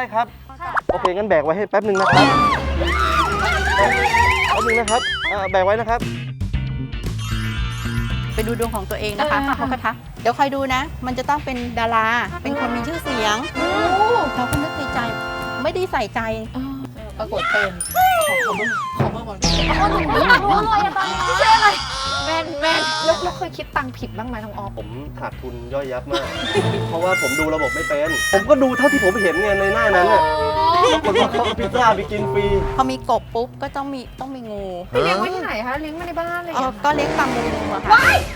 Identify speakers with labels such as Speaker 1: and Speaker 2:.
Speaker 1: ครับ โอเคงั้นแบกไว้ให้แป๊บนึงนะครับแป๊บนึงนะครับแบกไว้นะครับ
Speaker 2: ไปดูดวงของตัวเองนะคะเขาก็ทักเดี๋ยวคอยดูนะ มันจะต้องเป็นดารา เป็นคนมีชื่อเสียงเราก็นึกในใจ ไม่ได้ใส่ใจ ปรากฏเป็น
Speaker 3: หนูอยากรู้เลยอะตอนนี้ไม่ใช่อะไรแม่นแล้วเคยคิดตังค์ผิดบ้างไหมน้องออฟ
Speaker 1: ผมขาดทุนย่อยยับมาก เพราะว่าผมดูระบบไม่เป็น ผมก็ดูเท่าที่ผมเห็นไงในหน้านั้นน่ะปรากฏว่าเขาเอาพิซซ่าไปกินฟรี
Speaker 2: พอมีกบปุ๊บก็ต้องมีงู
Speaker 3: ไปเลี้ยงไว้ที่ไหนคะเลี้ยงไว้ในบ้านอะไรอย่างเงี้ย
Speaker 2: ก็เลี้ยงปลางูอะค่ะ